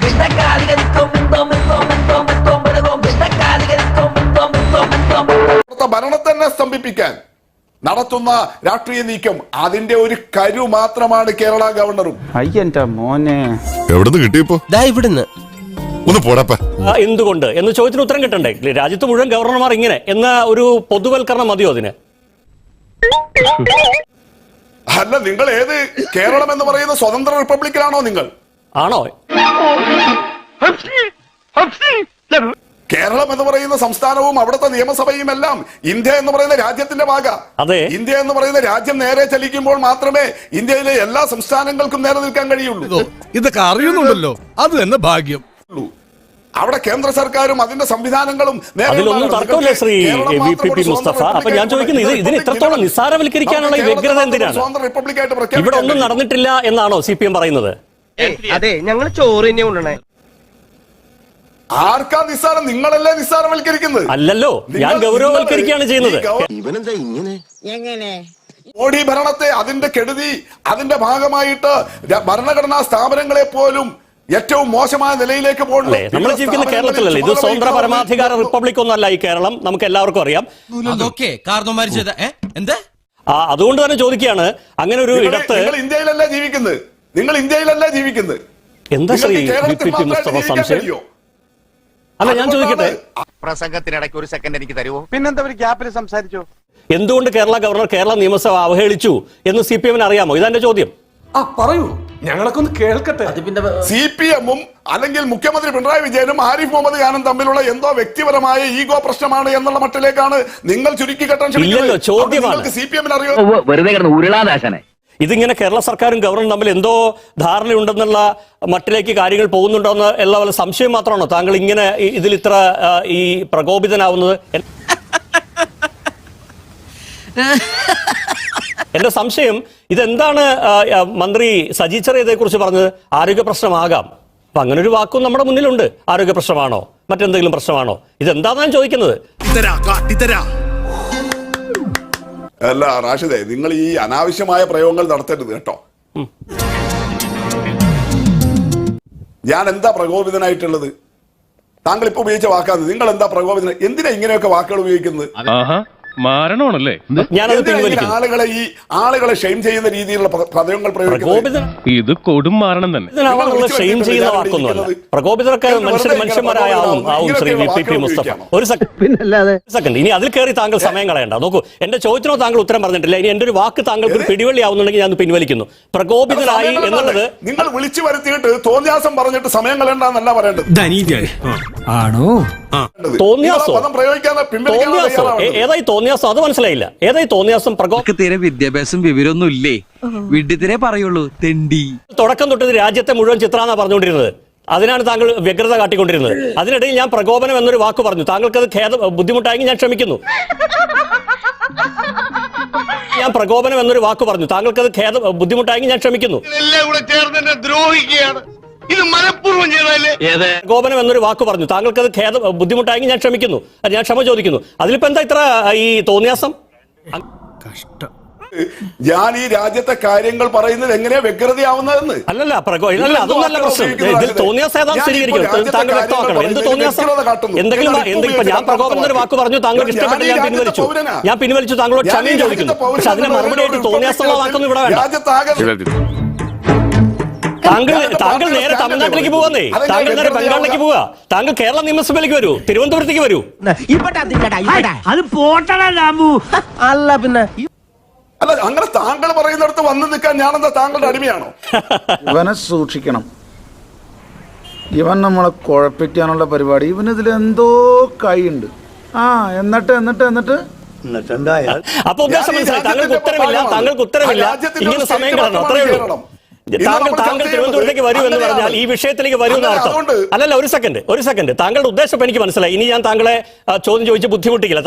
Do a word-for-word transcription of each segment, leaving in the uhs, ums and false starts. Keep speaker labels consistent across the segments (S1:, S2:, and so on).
S1: ഭരണത്തെ തന്നെ സ്തംഭിപ്പിക്കാൻ നടത്തുന്ന രാഷ്ട്രീയ നീക്കം അതിന്റെ ഒരു കരു മാത്രമാണ് കേരള ഗവർണറും.
S2: അയ്യന്റെ മോനെ
S3: എവിടുന്ന് കിട്ടിയപ്പോ ഇവിടുന്ന് ഒന്ന് പോടപ്പ.
S4: എന്തുകൊണ്ട് എന്ന് ചോദ്യത്തിന് ഉത്തരം കിട്ടണ്ടേ? രാജ്യത്ത് മുഴുവൻ ഗവർണർമാർ ഇങ്ങനെ എന്ന ഒരു പൊതുവൽക്കരണം മതിയോ അതിന്?
S1: അല്ല, നിങ്ങൾ ഏത് കേരളം എന്ന് പറയുന്ന സ്വതന്ത്ര റിപ്പബ്ലിക്കിലാണോ നിങ്ങൾ?
S4: ആണോ?
S1: കേരളം എന്ന് പറയുന്ന സംസ്ഥാനവും അവിടുത്തെ നിയമസഭയും എല്ലാം ഇന്ത്യ എന്ന് പറയുന്ന രാജ്യത്തിന്റെ ഭാഗ.
S4: അതെ,
S1: ഇന്ത്യ എന്ന് പറയുന്ന രാജ്യം നേരെ ചലിക്കുമ്പോൾ മാത്രമേ ഇന്ത്യയിലെ എല്ലാ സംസ്ഥാനങ്ങൾക്കും നേരെ നിൽക്കാൻ കഴിയുള്ളൂ.
S5: ഇതൊക്കെ അറിയുന്നുണ്ടല്ലോ, അത് തന്നെ ഭാഗ്യം.
S1: അവിടെ കേന്ദ്ര സർക്കാരും അതിന്റെ സംവിധാനങ്ങളും
S4: അതിലൊന്നും തർക്കമില്ല Shri V P P Mustafa. അപ്പൊ ഞാൻ ചോദിക്കുന്നത്, ഇതിന് ഇത്രത്തോളം നിസ്സാരവൽക്കരിക്കാനുള്ള ഈ വ്യഗ്രത എന്തിനാണ്? ഇവിടെ ഒന്നും നടന്നിട്ടില്ല എന്നാണോ സി പി എം പറയുന്നത്?
S6: അതെ, ഞങ്ങൾ ചോറ് തന്നെ കൊണ്ടുവന്നേ.
S1: ആർക്കാ നിസ്സാരം? നിങ്ങളല്ലേ നിസ്സാരവൽക്കരിക്കുന്നത്?
S4: അല്ലല്ലോ, ഞാൻ ഗൗരവവൽക്കരിക്കുകയാണ് ചെയ്യുന്നത്.
S1: മോഡി ഭരണത്തെ, അതിന്റെ കെടുതി, അതിന്റെ ഭാഗമായിട്ട് ഭരണഘടനാ സ്ഥാപനങ്ങളെ പോലും ഏറ്റവും മോശമായ നിലയിലേക്ക് പോകണല്ലേ?
S4: നമ്മൾ ജീവിക്കുന്ന കേരളത്തിലല്ലേ? ഇത് സ്വതന്ത്ര പരമാധികാര റിപ്പബ്ലിക് ഒന്നല്ല ഈ കേരളം, നമുക്ക് എല്ലാവർക്കും അറിയാം. അതുകൊണ്ട് തന്നെ ചോദിക്കുകയാണ്, അങ്ങനെ ഒരു ഇടത്ത്
S1: നിങ്ങൾ ഇന്ത്യയിലല്ലേ ജീവിക്കുന്നത്? നിങ്ങൾ ഇന്ത്യയിലല്ലേ ജീവിക്കുന്നത്?
S4: എന്താ Shri V P P Mustafa സംശയം? അല്ല, ഞാൻ ചോദിക്കട്ടെ,
S7: പ്രസംഗത്തിനിടയ്ക്ക് ഒരു സെക്കൻഡ് എനിക്ക് തരുമോ?
S6: പിന്നെന്താ ഒരു ഗ്യാപ്പിൽ സംസാരിച്ചോ?
S4: എന്തുകൊണ്ട് കേരള ഗവർണർ കേരള നിയമസഭ അവഹേളിച്ചു എന്ന് സി പി എമ്മിന് അറിയാമോ? ഇതെന്റെ ചോദ്യം.
S8: ആ പറയൂ, ഞങ്ങളൊക്കെ ഒന്ന് കേൾക്കട്ടെ.
S1: സി പി എമ്മും അല്ലെങ്കിൽ മുഖ്യമന്ത്രി പിണറായി വിജയനും ആരിഫ് മുഹമ്മദ് ഖാനും തമ്മിലുള്ള എന്തോ വ്യക്തിപരമായ ഈഗോ പ്രശ്നമാണ് എന്നുള്ള മട്ടിലേക്കാണ് നിങ്ങൾ ചുരുക്കി കെട്ടാൻ
S4: ശ്രമിക്കുന്നത്. ചോദ്യമാണ്,
S1: സി പി എമ്മിന് അറിയോ?
S7: വെറുതെ കിടന്ന് ഉരുളാദാശനെ.
S4: ഇതിങ്ങനെ കേരള സർക്കാരും ഗവർണറും തമ്മിൽ എന്തോ ധാരണയുണ്ടെന്നുള്ള മട്ടിലേക്ക് കാര്യങ്ങൾ പോകുന്നുണ്ടോ എന്ന് എല്ലാ വല്ല സംശയം മാത്രമാണോ താങ്കൾ ഇങ്ങനെ ഇതിൽ ഇത്ര ഈ പ്രകോപിതനാവുന്നത്? എന്റെ സംശയം ഇതെന്താണ് മന്ത്രി സജി ചെറിയ ഇതേക്കുറിച്ച് പറഞ്ഞത്? ആരോഗ്യ പ്രശ്നമാകാം. അപ്പൊ അങ്ങനെ ഒരു വാക്കും നമ്മുടെ മുന്നിലുണ്ട്. ആരോഗ്യ പ്രശ്നമാണോ, മറ്റെന്തെങ്കിലും പ്രശ്നമാണോ? ഇതെന്താന്ന് ഞാൻ ചോദിക്കുന്നത്.
S1: അല്ല റാഷിദേ, നിങ്ങൾ ഈ അനാവശ്യമായ പ്രയോഗങ്ങൾ നടത്തരുത് കേട്ടോ. ഞാൻ എന്താ പ്രകോപിതനായിട്ടുള്ളത്? താങ്കൾ ഇപ്പൊ ഉപയോഗിച്ച വാക്കാണ്. നിങ്ങൾ എന്താ പ്രകോപിതന? എന്തിനാ ഇങ്ങനെയൊക്കെ വാക്കുകൾ ഉപയോഗിക്കുന്നത്?
S3: മാരണമാണല്ലേ?
S1: ആളുകളെ ഈ ആളുകളെ ഷെയിം ചെയ്യുന്ന രീതിയിലുള്ള പദങ്ങൾ പ്രയോഗിക്കുന്നത്
S3: ഇത് കൊടും മാരണം തന്നെ.
S4: ഷെയിം ചെയ്യുന്ന വാക്കൊന്നുമല്ല. പ്രകോപിതരൊക്കെ മനുഷ്യർ മനുഷ്യന്മാരായ ആവും ആവും Shri V P P Mustafa. ഒരു സെക്കൻഡ്, ഇനി അതിൽ കയറി താങ്കൾ സമയം കളയണ്ട. നോക്കൂ, എന്റെ ചോദ്യത്തിനോ താങ്കൾ ഉത്തരം പറഞ്ഞിട്ടില്ല. ഇനി എന്റെ ഒരു വാക്ക് താങ്കൾക്ക് ഒരു പിടിവള്ളി ആവുന്നുണ്ടെങ്കിൽ ഞാൻ പിൻവലിക്കുന്നു. പ്രകോപിതരായി എന്നുള്ളത്
S1: നിങ്ങൾ വിളിച്ചു വരുത്തിയിട്ട് തോന്നിയാസം പറഞ്ഞിട്ട് സമയം കളയണ്ടെന്നല്ല പറയേണ്ടത്.
S8: ആണോ?
S4: തോന്നിയാസോ? ഏതായി തോന്നിയാസം? അത് മനസ്സിലായില്ല. ഏതായി തോന്നിയാസം?
S6: തീരെ വിദ്യാഭ്യാസം വിവരമൊന്നും ഇല്ലേ? വിഡ്ഢിത്തിരെ പറയുള്ളൂ, തെണ്ടി.
S4: തുടക്കം തൊട്ട് രാജ്യത്തെ മുഴുവൻ ചിത്രാന്നാ പറഞ്ഞുകൊണ്ടിരുന്നത്. അതിനാണ് താങ്കൾ വ്യഗ്രത കാട്ടിക്കൊണ്ടിരുന്നത്. അതിനിടയിൽ ഞാൻ പ്രകോപനം എന്നൊരു വാക്ക് പറഞ്ഞു. താങ്കൾക്ക് അത് ഖേദ ബുദ്ധിമുട്ടായെങ്കിൽ ഞാൻ ക്ഷമിക്കുന്നു. ഞാൻ പ്രകോപനം എന്നൊരു വാക്ക് പറഞ്ഞു. താങ്കൾക്ക് അത് ഖേദ ബുദ്ധിമുട്ടായെങ്കിൽ ഞാൻ ക്ഷമിക്കുന്നു.
S7: ഇത് മനഃപൂർവ്വം ചെയ്തല്ലേ?
S4: പ്രകോപനം എന്നൊരു വാക്ക് പറഞ്ഞു. താങ്കൾക്ക് അത് ഖേദ ബുദ്ധിമുട്ടായെങ്കിൽ ഞാൻ ക്ഷമിക്കുന്നു. ഞാൻ ക്ഷമ ചോദിക്കുന്നു. അതിലിപ്പോ എന്താ ഇത്ര ഈ തോന്നിയാസം?
S1: കഷ്ടം. ഞാൻ ഈ രാജ്യത്തെ കാര്യങ്ങൾ പറയുന്നത് എങ്ങനെയാ വ്യഗ്രതയാവുന്നതെന്ന്.
S4: അല്ലല്ല, അല്ല അതൊന്നല്ല പ്രശ്നം. ഇതിൽ തോന്നിയാസം ഏതാ സ്ഥിരീകരിക്കണം. താങ്കൾ വ്യക്തമാക്കണം. എന്ത് തോന്നിയാസം? എന്തെങ്കിലും എന്തെങ്കിലും ഞാൻ പ്രകോപനം എന്നൊരു വാക്ക് പറഞ്ഞു, താങ്കൾക്ക് ഇഷ്ടപ്പെട്ടില്ല, ഞാൻ പിൻവലിച്ചു. ഞാൻ പിൻവലിച്ചു, താങ്കളോട് ക്ഷമയും ചോദിക്കുന്നു. പക്ഷെ അതിന് മറുപടിയായിട്ട് തോന്നിയാസമുള്ള വാക്കൊന്നും ഇവിടെ വേണ്ട. താങ്കൾ താങ്കൾ നേരെ തമിഴ്നാട്ടിലേക്ക് പോവാന്നേ. താങ്കൾ നേരെ ബംഗാളിലേക്ക് പോവാ. താങ്കൾ കേരള നിയമസഭയിലേക്ക് വരൂ, തിരുവനന്തപുരത്തേക്ക് വരൂ.
S6: അല്ല പിന്നെ
S1: അല്ല, അങ്ങനെ താങ്കൾ പറയുന്നിടത്ത് വന്നു നിൽക്കാൻ ഞാനെന്താ താങ്കളുടെ അടിമയാണോ?
S2: ഇവനെ സൂക്ഷിക്കണം. ഇവൻ നമ്മളെ കുഴപ്പിക്കാനുള്ള പരിപാടി. ഇവനിതിൽ എന്തോ കൈയുണ്ട്. ആ എന്നിട്ട് എന്നിട്ട് എന്നിട്ട്
S4: അപ്പൊ ഉദ്ദേശം മനസ്സിലായി. താങ്കൾക്ക് ഉത്തരമില്ല, താങ്കൾക്ക് ഉത്തരമില്ല. ഇങ്ങനെ സമയം കളഞ്ഞു, അത്രയേ ഉള്ളൂ. താങ്കൾ താങ്കൾ തിരുവനന്തപുരത്തേക്ക് വരൂ എന്ന് പറഞ്ഞാൽ ഈ വിഷയത്തിലേക്ക് വരൂ എന്നർത്ഥം. അല്ലല്ല, ഒരു സെക്കൻഡ് ഒരു സെക്കൻഡ് താങ്കളുടെ ഉദ്ദേശം എനിക്ക് മനസ്സിലായി. ഇനി ഞാൻ താങ്കളെ ചോദ്യം ചോദിച്ച് ബുദ്ധിമുട്ടിക്കില്ല.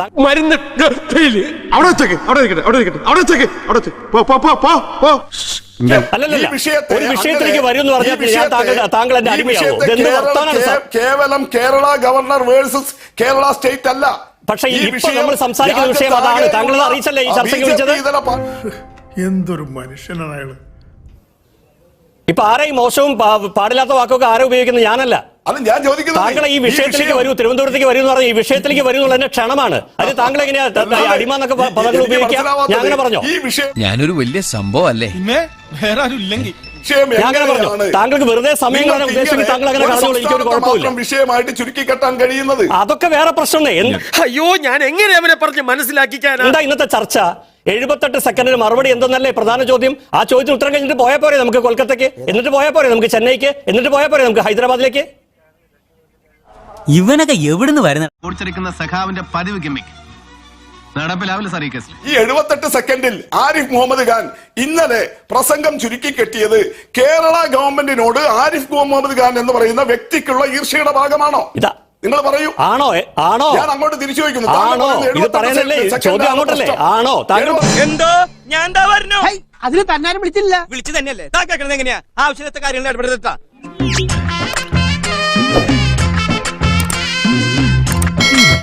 S4: അല്ലല്ല, ഒരു വിഷയത്തിലേക്ക് വരൂ എന്ന് പറഞ്ഞാൽ ഞാൻ താങ്കൾ താങ്കൾ എന്റെ അടിമയാവോ?
S1: കേവലം Kerala governor versus Kerala state അല്ല.
S4: പക്ഷേ ഇപ്പോൾ നമ്മൾ സംസാരിക്കുന്ന വിഷയം അതാണ്. താങ്കൾ അറിയിച്ചല്ലേ ഈ ചർച്ചയ്ക്ക് വിളിച്ചത്?
S8: എന്തൊരു മനുഷ്യനാണ് അയാള്.
S4: ഇപ്പൊ ആരെയും മോശവും പാ- പാടില്ലാത്ത വാക്കൊക്കെ ആരെ ഉപയോഗിക്കുന്നത് ഞാനല്ല.
S1: അത് ഞാൻ ചോദിക്കുന്നത്
S4: താങ്കൾ ഈ വിഷയത്തിലേക്ക് വരൂ, തിരുവനന്തപുരത്തേക്ക് വരൂ എന്ന് പറഞ്ഞ ഈ വിഷയത്തിലേക്ക് വരൂ എന്നുള്ളതിന്റെ ക്ഷണമാണ്. അത് താങ്കൾ എങ്ങനെയാ അടിമ എന്നൊക്കെ പദങ്ങൾ ഉപയോഗിക്കാം? ഞാൻ അങ്ങനെ പറഞ്ഞോ?
S1: ഈ വിഷയം
S6: ഞാനൊരു വലിയ സംഭവം അല്ലേ?
S5: പിന്നെ വേറെ ആരും ഇല്ലെങ്കിൽ
S1: വിഷയം
S4: ഞാൻ അങ്ങനെ പറഞ്ഞു.
S1: എങ്ങനെയാണ്
S4: താങ്കൾക്ക് വെറുതെ സമയം കളയാൻ
S1: നിങ്ങൾക്ക്
S4: ഉദ്ദേശിച്ച്
S1: ഇങ്ങനെ
S4: താങ്കൾ അങ്ങനെ
S1: ഒരു
S4: കളഞ്ഞോളൂ, എനിക്കൊരു
S1: സംസ്ഥാനത്തെ
S4: കുഴപ്പമില്ല.
S1: മാത്രം വിഷയമായിട്ട് ചുരുക്കി കെട്ടാൻ കഴിയുന്നത്
S4: അതൊക്കെ വേറെ പ്രശ്നമേ. എന്ത്-
S3: അയ്യോ ഞാൻ എങ്ങനെ അവനെ പറഞ്ഞ് മനസ്സിലാക്കിക്കാനാ?
S4: എന്താ ഇന്നത്തെ ചർച്ച? എഴുപത്തെട്ട് സെക്കൻഡിന് മറുപടി എന്തെന്നല്ലേ പ്രധാന ചോദ്യം? ആ ചോദ്യത്തിന് ഉത്തരം കഴിഞ്ഞിട്ട് പോയാൽ പോരെ നമുക്ക് കൊൽക്കത്തയ്ക്ക്, എന്നിട്ട് പോയാൽ പോരെ നമുക്ക് ചെന്നൈക്ക്, എന്നിട്ട് പോയാൽ പോരെ നമുക്ക് ഹൈദരാബാദിലേക്ക്?
S9: ഇവനൊക്കെ എവിടുന്ന് വരുന്ന
S7: ഓടിച്ചെടുക്കുന്ന സഖാവിന്റെ പതിവ് ഗിമ്മിക്ക് നടപ്പിലാവില്ല സാർ ഈ കേസിൽ.
S1: ഈ എഴുപത്തെട്ട് സെക്കൻഡിൽ ആരിഫ് മുഹമ്മദ് ഖാൻ ഇന്നലെ പ്രസംഗം ചുരുക്കി കെട്ടിയത് കേരള ഗവൺമെന്റിനോട് ആരിഫ് മുഹമ്മദ് ഖാൻ എന്ന് പറയുന്ന വ്യക്തിക്കുള്ള ഈർഷ്യയുടെ ഭാഗമാണോ?
S4: ഇതാ
S1: നിങ്ങൾ പറയൂ.
S4: ആണോ? എ- ആണോ?
S1: ഞാൻ അങ്ങോട്ട് തിരിച്ചു ചോദിക്കുന്നു. താങ്കൾ
S4: ആണോ?
S1: പറയുന്നത്
S4: ഇത്
S1: എഴുപത്തെട്ട്
S4: പറയാനല്ലേ
S1: സെക്കൻഡ്
S4: ചോദ്യം അങ്ങോട്ടല്ലേ?
S1: പ്രശ്നം.
S4: ആണോ? താങ്കൾ
S1: എഴുപത്
S3: എന്തോ ഞാൻ എന്താ പറഞ്ഞു
S9: അതിന് തന്നാരും വിളിച്ചില്ല.
S3: വിളിച്ചു തന്നെയല്ലേ എങ്ങനെയാ ആവശ്യത്തെ കാര്യങ്ങൾ ഇടപെടുത്താ